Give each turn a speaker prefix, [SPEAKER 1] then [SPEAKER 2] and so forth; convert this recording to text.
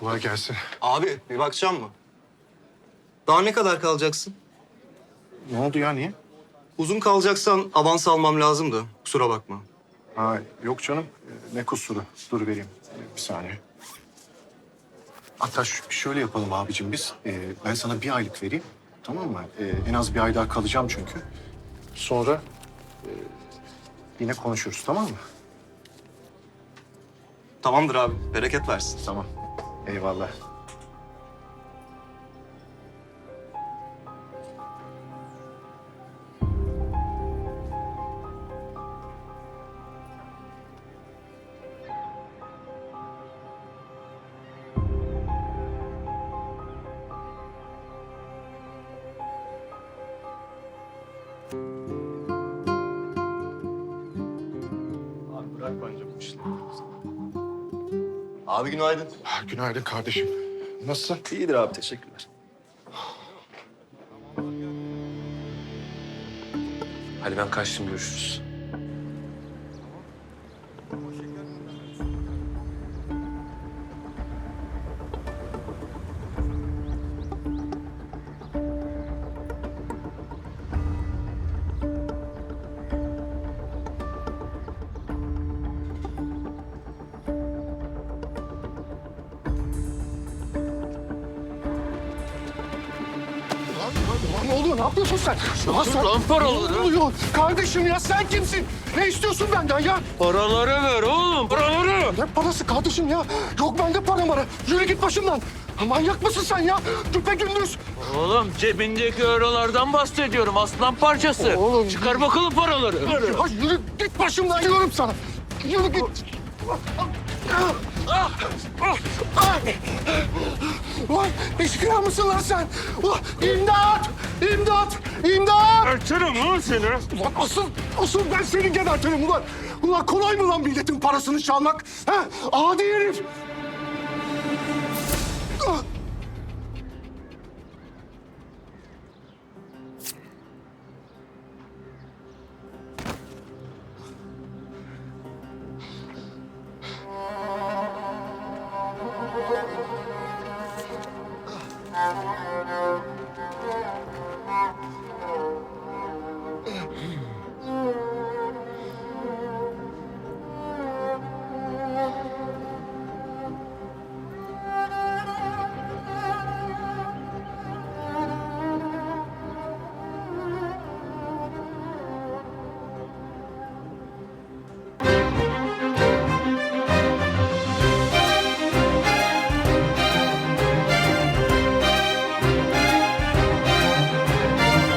[SPEAKER 1] Kolay gelsin.
[SPEAKER 2] Abi bir bakacağım mı? Daha ne kadar kalacaksın?
[SPEAKER 1] Ne oldu ya, niye?
[SPEAKER 2] Uzun kalacaksan avans almam lazımdı. Kusura bakma.
[SPEAKER 1] Ha, yok canım. Ne kusuru? Dur vereyim. Bir saniye. Hatta şöyle yapalım abicim biz. Ben sana bir aylık vereyim. Tamam mı? En az bir ay daha kalacağım çünkü. Sonra yine konuşuruz, tamam mı?
[SPEAKER 2] Tamamdır abi. Bereket versin.
[SPEAKER 1] Tamam. Eyvallah.
[SPEAKER 2] Abi bırak bence bu işleri. Abi günaydın.
[SPEAKER 1] Günaydın kardeşim. Nasılsın?
[SPEAKER 2] İyidir abi, teşekkürler.
[SPEAKER 3] Hadi ben kaçtım, görüşürüz.
[SPEAKER 1] Lan ne oluyor? Ne yapıyorsun sen? Ya sen...
[SPEAKER 3] lan paraları.
[SPEAKER 1] Ne oluyor? Kardeşim ya sen kimsin? Ne istiyorsun benden ya?
[SPEAKER 3] Paraları ver oğlum, paraları.
[SPEAKER 1] Ne parası kardeşim ya? Yok bende para mara. Yürü git başımdan. Manyak mısın sen ya? Güpegündüz.
[SPEAKER 3] Oğlum cebindeki eurolardan bahsediyorum, aslan parçası.
[SPEAKER 1] Oğlum.
[SPEAKER 3] Çıkar bakalım paraları.
[SPEAKER 1] Ya yürü git başımdan diyorum sana. Yürü git. Ulan eşkıya mısın lan sen? Ulan imdat! İmdat! İmdat!
[SPEAKER 3] Açarım lan seni.
[SPEAKER 1] Ulan asıl ben seni gebertirim ulan. Ulan kolay mı lan milletin parasını çalmak? Ha? Adi herif! Ah!